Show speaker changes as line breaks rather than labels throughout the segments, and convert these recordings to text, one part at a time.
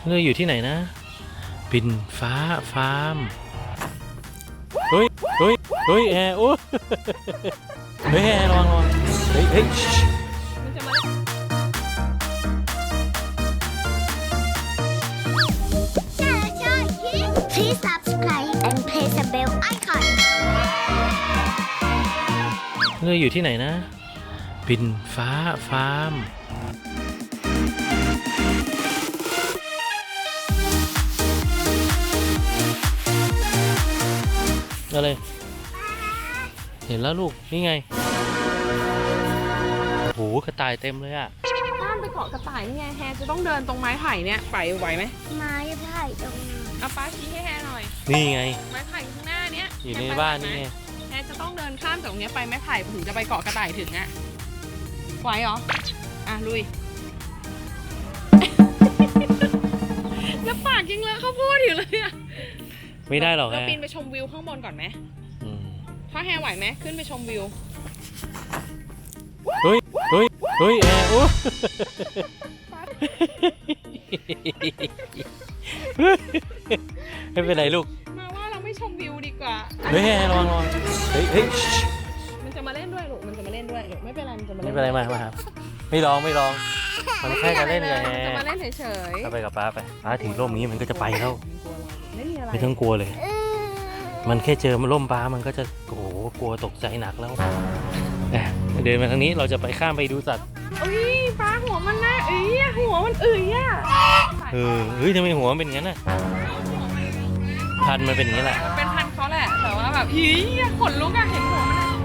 เราอยู่ที่ไหนนะบินฟ้าฟาร์มเฮ้ยแอร์โอ้เฮ้ยแอร์ระวังเฮ้ย
Please subscribe and press the bell icon
เราอยู่ที่ไหนนะบินฟ้าฟาร์มอะไรเห็นแล้วลูกนี่ไงโหกระต่ายเต็มเลยอะ
ห้ามไปเกาะกระต่ายนี่ไงแฮจะต้องเดินตรงไม้ไผ่เนี่ยไปไหวไหม
ไม้ไผ่ตรงนี้
เอาป้าชี้ให้แฮหน่อย
นี่ไง
ไม้ไผ่ข้างหน้าเนี้ย
อยู่ในบ้านนี่ไง
แฮจะต้องเดินข้ามจากตรงเนี้ยไปไม้ไผ่ถึงจะไปเกาะกระต่ายถึงอะไหวเหรออ่ะลุย แล้วปากยังเลอะข้าวโพดอยู่เลยอะ
ไม่ได้หรอก
เรา
แฮ
ปีนไปชมวิวข้างบนก่อนไหม ถ้าแฮไหวไหมขึ้นไปชมวิว
เฮ้ยแอร์โอ้ไม่เป็นไรลูก
มาว่าเราไม่ชมวิวดีกว่า
เฮ้ยแอร์ระวังเฮ้ย
มันจะมาเล่นด้วยลูกมันจะมาเล่นด้วยลูกไม่เป็นไรมันจะมา
ไม่
เล่น
เป็นไรมาครับไม่ลองมันแค่จะเล่นไง
มันจะมาเล่นเฉยๆ
เอาไปกับป้าไปป้าถือร่มนี้มันก็จะไปแล้ว
ไม่มีอะไร
ไม่ต้องกลัวเลย มันแค่เจอมันร่มป้ามันก็จะโอ้โหกลัวตกใจหนักแล้วเดินมาทางนี้เราจะไปข้ามไปดูสัตว์
อุ้ยปลาหัวมันน่าหัวมันอ่ะ
เฮ้ยทำไมหัวมันเป็นงั้นน่ะพันมันเป็นอย่างนี้แหละ
เป็นพันเขาแหละแต่ว่าแบบขนลุกอะเห็นหัวมันอะ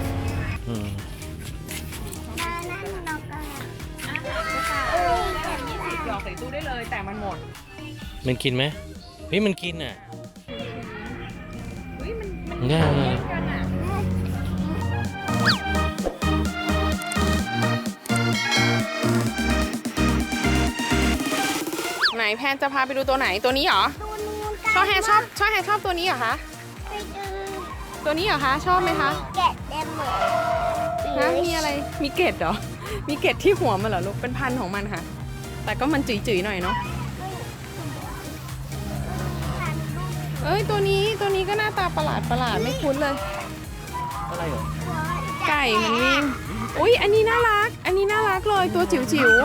20 หยอกใส่ตู้ได้เลยแต่มันหมด
มันกินไหมเฮ้ยมันกินอ่ะ
เฮ้ยมัน
ได้
เล่นกันอะไหนแพนจะพาไปดูตัวไหนตัวนี้เหรอ
ตัวนู้น
ชอบแฮชอบตัวนี้เหรอคะ
ไปดู
ตัวนี้เหรอคะชอบไหมคะ
แกะเต็มหมด
ฮะมีอะไรมีเกล็ดเหรอมีเกล็ดที่หัวมันเหรอลูกเป็นพันธุ์ของมันค่ะ แต่ก็มันจุ๋ยๆหน่อยเนาะเอ้ยตัวนี้ก็หน้าตาประหลาดไม่คุ้นเลย
อะไรเหรอ
ไก่มันวิ่งอุ้ยอันนี้น่ารักเลยตัวจิ๋ว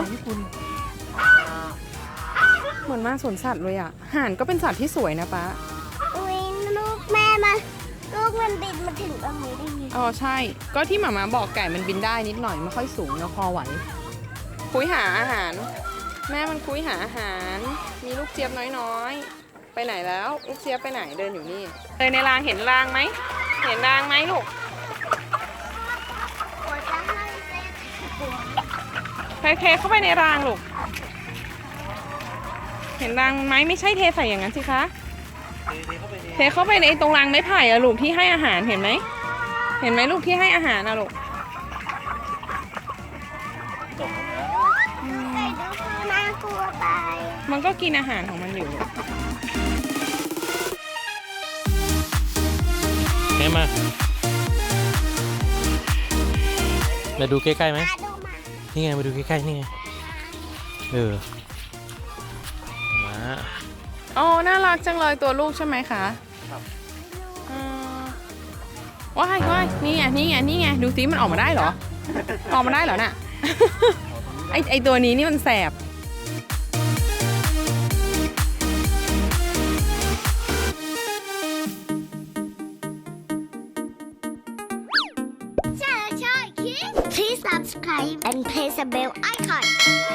เหมือนมาสวนสัตว์เลยอ่ะห่านก็เป็นสัตว์ที่สวยนะป๊า
อุ้ยลูกแม่มาลูกมันบินมาถึงตรงนี้ได้ไง
อ๋อใช่ก็ที่หมาบอกไก่มันบินได้นิดหน่อยไม่ค่อยสูงแล้วพอไหวคุยหาอาหารแม่มันคุยหาอาหารมีลูกเจี๊ยบน้อยๆไปไหนแล้วลูกเจี๊ยบไปไหนเดินอยู่นี่เดินในรางเห็นรางไหมลูก
หัวจะให้เต้นหัว
เทเข้าไปในรางลูกเห็นรางไหมไม่ใช่เทใส่อย่างนั้นสิคะเทเข้าไปในตรงรางไม้ไผ่อะลูกที่ให้อาหารเห็นไหมลูกที่ให้อาหารอะลูก
ไก่ดูน่ากลัวไป
มันก็กินอาหารของมันอยู่ลูก
แม่มาดูใกล้ๆไหม
มาดูมา
นี่ไงมาดูใกล้ๆนี่ไงมา
อ๋อน่ารักจังเลยตัวลูกใช่ไหมคะ
ครับ
ว้ายนี่ไงดูซิมันออกมาได้เหรอน่ะ ไอตัวนี้นี่มันแสบ
Please subscribe and press the bell icon